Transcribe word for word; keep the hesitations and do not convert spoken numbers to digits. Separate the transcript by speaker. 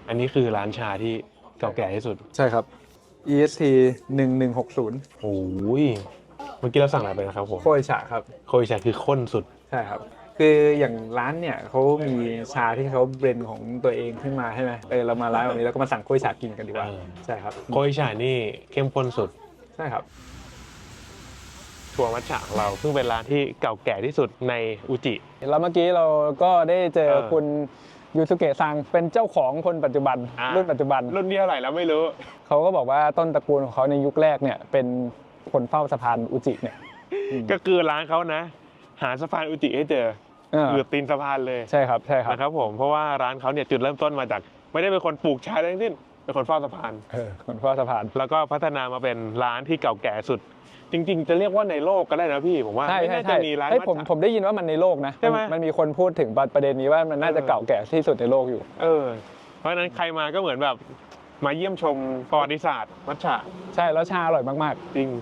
Speaker 1: อันนี้คือร้านชาที่เก่าแก่ที่สุด
Speaker 2: ใช่ครับ อี เอส ที หนึ่งหนึ่งหกศูนย์
Speaker 1: โอ้ยเมื่อกี้เราสั่งอะไรไปนะครับผม
Speaker 2: โคยฉะครับ
Speaker 1: โคยชาคือข้นสุด
Speaker 2: ใช่ครับคืออย่างร้านเนี่ยเขามีชาที่เขาเบรนของตัวเองขึ้นมาใช่ไหมเออเรามาร้านแบบนี้แล้วก็มาสั่งโคยฉะกินกันดีกว่า
Speaker 1: เออ
Speaker 2: ใช่ครับ
Speaker 1: โคยชานี่เข้มข้นสุด
Speaker 2: ใช่ครับ
Speaker 1: ทัวร์มัทฉะของเราซึ่งเป็นร้านที่เก่าแก่ที่สุดในอุจิ
Speaker 2: แล้วเมื่อกี้เราก็ได้เจอ
Speaker 1: เออ
Speaker 2: คุณยูสุเกะซังเป็นเจ้าของคนปัจจุบัน
Speaker 1: อ่า
Speaker 2: รุ่นปัจจุบัน
Speaker 1: รุ่นที่เท่าไหร่แล้วไม่รู้
Speaker 2: เขาก็บอกว่าต้นตระกูลของเขาในยุคแรกเนี่ยเป็นคนเฝ้าสะพานอุจิเนี่ย
Speaker 1: ก็คือร้านเขานะ หาสะพานอุจิให้เจอ
Speaker 2: เออ
Speaker 1: อยู่ตีนสะพานเลย
Speaker 2: ใช่ครับใช่ครับ
Speaker 1: นะครับผมเพราะว่าร้านเขาเนี่ยจุดเริ่มต้นมาจาก ไม่ได้เป็นคนปลูกชาทั้งสิ้นเป็นคนเฝ้าสะพาน
Speaker 2: เออคนเฝ้าสะพาน
Speaker 1: แล้วก็พัฒนามาเป็นร้านที่เก่าแก่สุด จริง ๆ จะเรียกว่าในโลกก็ได้นะพี่ผมว่า
Speaker 2: ใช่
Speaker 1: ไม่
Speaker 2: ใช่
Speaker 1: น่าจะ
Speaker 2: ใช่
Speaker 1: มีร้าน
Speaker 2: เฮ้ย
Speaker 1: มัท
Speaker 2: ผม
Speaker 1: ฉะ
Speaker 2: ผมได้ยินว่ามันในโลกนะ
Speaker 1: ใช่ไหม
Speaker 2: นมันมีคนพูดถึงประเด็นนี้ว่ามันน่าจะ
Speaker 1: เออ
Speaker 2: เก่าแก่ที่สุดในโลกอยู่
Speaker 1: เออ เพราะฉะนั้นใครมาก็เหมือนแบบมาเยี่ยมชมประวัติศาสตร์มัทฉะ
Speaker 2: ใช่แล้วชาอร่อยมากๆ
Speaker 1: จริง